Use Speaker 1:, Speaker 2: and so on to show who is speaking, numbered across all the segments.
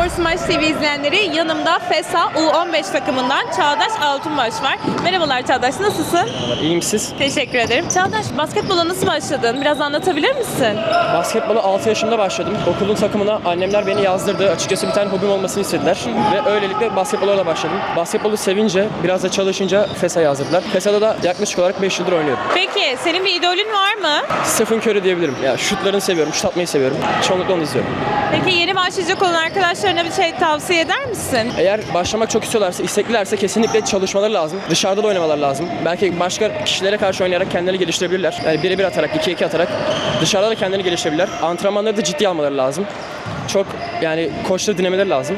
Speaker 1: Spor Smaç TV izleyenleri, yanımda FESA U15 takımından Çağdaş Altunbaş var. Merhabalar Çağdaş, nasılsın?
Speaker 2: İyiyim, siz?
Speaker 1: Teşekkür ederim. Çağdaş, basketbola nasıl başladın? Biraz anlatabilir misin?
Speaker 2: Basketbola 6 yaşımda başladım. Okulun takımına annemler beni yazdırdı. Açıkçası bir tane hobim olmasını istediler. Ve öylelikle basketbola da başladım. Basketbolu sevince, biraz da çalışınca FESA yazdırdılar. FESA'da da yaklaşık olarak 5 yıldır oynuyorum.
Speaker 1: Peki, senin bir idolün var mı?
Speaker 2: Stephen Curry diyebilirim. Ya şutlarını seviyorum, şut atmayı seviyorum. Çoğunlukla onu izliyorum.
Speaker 1: Peki yeni başlayacak olan arkadaşlarına bir şey tavsiye eder misin?
Speaker 2: Eğer başlamak çok istiyorlarsa, isteklilerse kesinlikle çalışmaları lazım. Dışarıda da oynamaları lazım. Belki başka kişilere karşı oynayarak kendilerini geliştirebilirler. Yani birebir atarak, 2-2 atarak dışarıda da kendilerini geliştirebilirler. Antrenmanları da ciddiye almaları lazım. Çok yani koçları dinlemeleri lazım.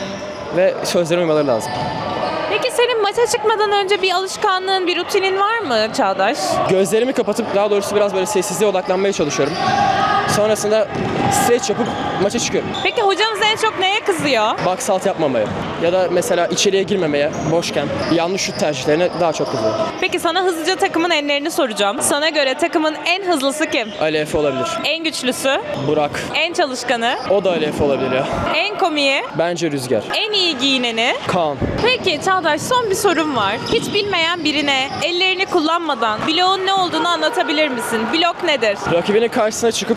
Speaker 2: Ve sözlerine uymaları lazım.
Speaker 1: Peki senin maça çıkmadan önce bir alışkanlığın, bir rutinin var mı Çağdaş?
Speaker 2: Gözlerimi kapatıp daha doğrusu biraz böyle sessizliğe odaklanmaya çalışıyorum. Sonrasında stretch yapıp maça çıkıyorum.
Speaker 1: Peki hocanız en çok neye kızıyor?
Speaker 2: Box out yapmamaya ya da mesela içeriye girmemeye, boşken yanlış şut tercihlerine daha çok kızıyor.
Speaker 1: Peki sana hızlıca takımın enlerini soracağım. Sana göre takımın en hızlısı kim?
Speaker 2: Ali Efe olabilir.
Speaker 1: En güçlüsü?
Speaker 2: Burak.
Speaker 1: En çalışkanı?
Speaker 2: O da Ali Efe olabilir ya.
Speaker 1: En komiği?
Speaker 2: Bence Rüzgar.
Speaker 1: En iyi giyineni?
Speaker 2: Kaan.
Speaker 1: Peki Çağdaş, son bir sorum var. Hiç bilmeyen birine ellerini kullanmadan bloğun ne olduğunu anlatabilir misin? Blok nedir?
Speaker 2: Rakibinin karşısına çıkıp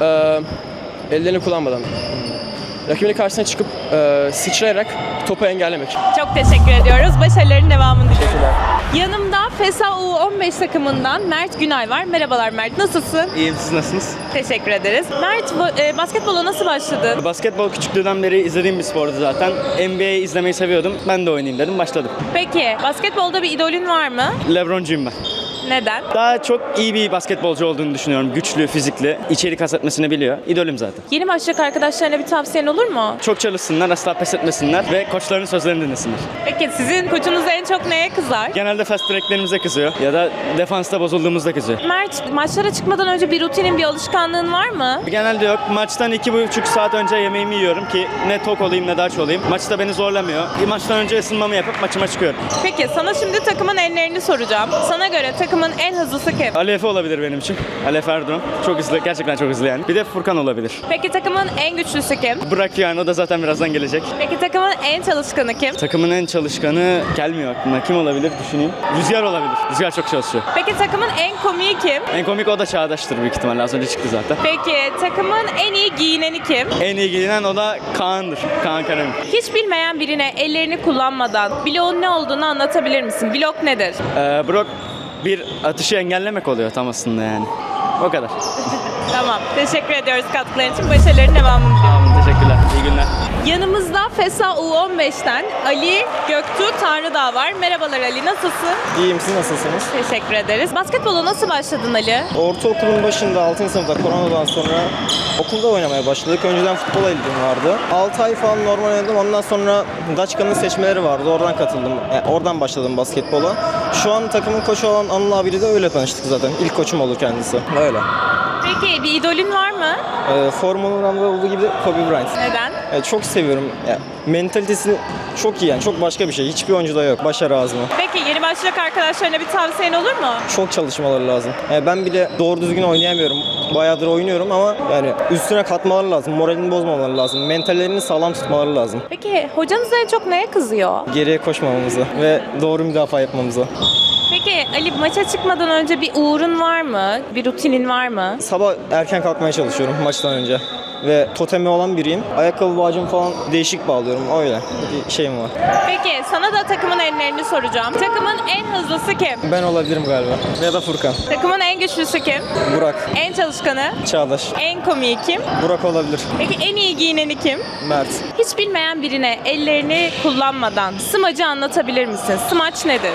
Speaker 2: ellerini kullanmadan. Rakibinin karşısına çıkıp sıçrayarak topu engellemek.
Speaker 1: Çok teşekkür ediyoruz. Başarıların devamını diliyorum. Yanımda FESA U15 takımından Mert Günay var. Merhabalar Mert, nasılsın?
Speaker 3: İyiyim, siz nasılsınız?
Speaker 1: Teşekkür ederiz. Mert, basketbola nasıl başladın?
Speaker 3: Basketbol küçüklüğümden beri izlediğim bir spordu zaten. NBA izlemeyi seviyordum. Ben de oynayayım dedim, başladım.
Speaker 1: Peki, basketbolda bir idolün var mı?
Speaker 3: LeBroncuyum ben.
Speaker 1: Neden?
Speaker 3: Daha çok iyi bir basketbolcu olduğunu düşünüyorum. Güçlü, fizikli, içerik kat etmesini biliyor. İdolüm zaten.
Speaker 1: Yeni başlayacak arkadaşlarına bir tavsiyen olur mu?
Speaker 3: Çok çalışsınlar, asla pes etmesinler ve koçlarının sözlerini dinlesinler.
Speaker 1: Peki sizin koçunuz en çok neye kızar?
Speaker 3: Genelde fast breaklerimize kızıyor ya da defansta bozulduğumuzda kızıyor.
Speaker 1: Mert, maçlara çıkmadan önce bir rutinin, bir alışkanlığın var mı?
Speaker 3: Genelde yok. Maçtan 2,5 saat önce yemeğimi yiyorum ki ne tok olayım ne de aç olayım. Maçta beni zorlamıyor. Maçtan önce ısınmamı yapıp maçıma çıkıyorum.
Speaker 1: Peki sana şimdi takımın enlerini soracağım. Sana göre takımın en hızlısı kim?
Speaker 3: Ali Efe olabilir benim için. Ali Efe Erdoğan. Çok hızlı, gerçekten çok hızlı yani. Bir de Furkan olabilir.
Speaker 1: Peki takımın en güçlüsü kim?
Speaker 3: Bırak yani, o da zaten birazdan gelecek.
Speaker 1: Peki takımın en çalışkanı kim?
Speaker 3: Takımın en çalışkanı gelmiyor aklıma. Kim olabilir düşüneyim. Rüzgar olabilir. Rüzgar çok çalışıyor.
Speaker 1: Peki takımın en komiği kim?
Speaker 3: En komik o da Çağdaş'tır büyük ihtimalle. Az önce çıktı zaten.
Speaker 1: Peki takımın en iyi giyineni kim?
Speaker 3: En iyi giyinen o da Kaan'dır. Kaan Karami.
Speaker 1: Hiç bilmeyen birine ellerini kullanmadan bloğun ne olduğunu anlatabilir misin? Blok nedir?
Speaker 3: Brock bir atışı engellemek oluyor tam aslında yani. O kadar.
Speaker 1: Tamam. Teşekkür ediyoruz katkıların için. Başarıların devamını diliyorum.
Speaker 3: Tamam, teşekkürler. İyi günler.
Speaker 1: Yanımızda FESA U15'ten Ali Göktuğ Tanrıdağ var. Merhabalar Ali, nasılsın?
Speaker 4: İyiyim, siz nasılsınız?
Speaker 1: Teşekkür ederiz. Basketbola nasıl başladın Ali?
Speaker 4: Ortaokulun başında 6. sınıfta koronadan sonra okulda oynamaya başladık. Önceden futbola ilgim vardı. 6 ay falan normal oynadım. Ondan sonra Daçka'nın seçmeleri vardı. Oradan katıldım. Oradan başladım basketbola. Şu an takımın koçu olan Anıl abiyle de öyle tanıştık zaten. İlk koçum olur kendisi. Öyle.
Speaker 1: Peki bir idolün var mı?
Speaker 4: Formula 1'de olduğu gibi Kobe Bryant.
Speaker 1: Neden?
Speaker 4: Çok seviyorum. Mentalitesi çok iyi yani. Çok başka bir şey. Hiçbir oyuncuda yok. Başarı azmi.
Speaker 1: Peki yeni başlayacak arkadaşlarına bir tavsiyen olur mu?
Speaker 4: Çok çalışmaları lazım. Ben bile doğru düzgün oynayamıyorum. Bayağıdır oynuyorum ama yani üstüne katmaları lazım. Moralini bozmamaları lazım. Mentallerini sağlam tutmaları lazım.
Speaker 1: Peki hocanız en çok neye kızıyor?
Speaker 4: Geriye koşmamamızı ve doğru müdafaa yapmamızı.
Speaker 1: Peki Ali, maça çıkmadan önce bir uğrun var mı? Bir rutinin var mı?
Speaker 4: Sabah erken kalkmaya çalışıyorum maçtan önce. Ve totemi olan biriyim. Ayakkabı bağcımı falan değişik bağlıyorum. Öyle bir şeyim var.
Speaker 1: Peki sana da takımın enlerini soracağım. Takımın en hızlısı kim?
Speaker 4: Ben olabilirim galiba. Ya da Furkan.
Speaker 1: Takımın en güçlüsü kim?
Speaker 4: Burak.
Speaker 1: En çalışkanı?
Speaker 4: Çağdaş.
Speaker 1: En komiği kim?
Speaker 4: Burak olabilir.
Speaker 1: Peki en iyi giyineni kim?
Speaker 4: Mert.
Speaker 1: Hiç bilmeyen birine ellerini kullanmadan smacı anlatabilir misin? Smaç nedir?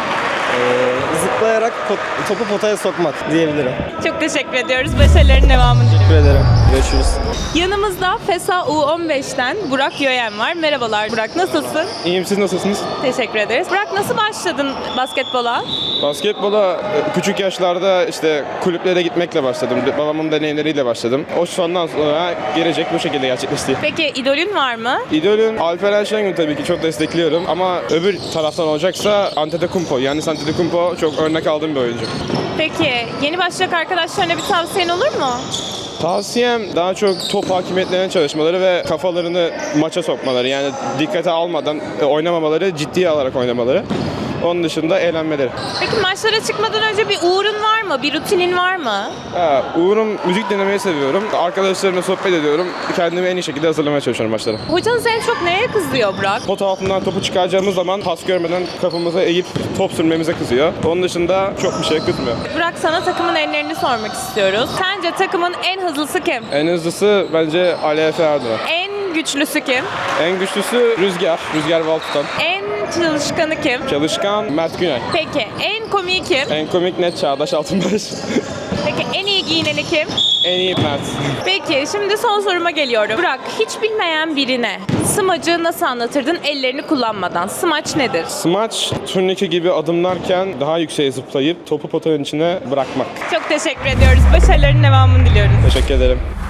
Speaker 4: Zıplayarak topu potaya sokmak diyebilirim.
Speaker 1: Çok teşekkür ediyoruz. Başarıların devamını diliyorum.
Speaker 4: Teşekkür ederim. Görüşürüz.
Speaker 1: Yanımızda FESA U15'ten Burak Yöyen var. Merhabalar Burak, nasılsın?
Speaker 5: İyiyim, siz nasılsınız?
Speaker 1: Teşekkür ederiz. Burak, nasıl başladın basketbola?
Speaker 5: Basketbola küçük yaşlarda işte kulüplere gitmekle başladım. Babamın deneyimleriyle başladım. O sondan sonra gelecek bu şekilde gerçekleşti.
Speaker 1: Peki idolün var mı?
Speaker 5: İdolüm Alperen Şengün, tabii ki çok destekliyorum ama öbür taraftan olacaksa Antetokounmpo. Yani Antetokounmpo çok örnek aldığım bir oyuncu.
Speaker 1: Peki yeni başlayacak arkadaşlarına bir tavsiyen olur mu?
Speaker 5: Tavsiyem daha çok top hakimiyetlerine çalışmaları ve kafalarını maça sokmaları. Yani dikkate almadan oynamamaları, ciddiye alarak oynamaları. Onun dışında eğlenmeleri.
Speaker 1: Peki maçlara çıkmadan önce bir uğrun var mı? Bir rutinin var mı?
Speaker 5: Uğurum müzik dinlemeyi seviyorum. Arkadaşlarımla sohbet ediyorum. Kendimi en iyi şekilde hazırlamaya çalışıyorum maçlara.
Speaker 1: Hocanız en çok neye kızıyor Burak?
Speaker 5: Pot altından topu çıkaracağımız zaman pas görmeden kafamıza eğip top sürmemize kızıyor. Onun dışında çok bir şey kızmıyor.
Speaker 1: Burak, sana takımın enlerini sormak istiyoruz. Sence takımın en hızlısı kim?
Speaker 5: En hızlısı bence Ali Efe Erdoğan.
Speaker 1: En güçlüsü kim?
Speaker 5: En güçlüsü Rüzgar. Rüzgar Valtutan.
Speaker 1: En çalışkanı kim?
Speaker 5: Çalışkan Mert Günay.
Speaker 1: Peki en komiği kim?
Speaker 5: En komik net Çağdaş Altınbaş.
Speaker 1: Peki en iyi giyineni kim?
Speaker 5: En iyi Mert.
Speaker 1: Peki şimdi son soruma geliyorum. Burak, hiç bilmeyen birine smacı nasıl anlatırdın ellerini kullanmadan? Smaç nedir?
Speaker 5: Smaç, turnike gibi adımlarken daha yükseğe zıplayıp topu potanın içine bırakmak.
Speaker 1: Çok teşekkür ediyoruz. Başarıların devamını diliyoruz.
Speaker 5: Teşekkür ederim.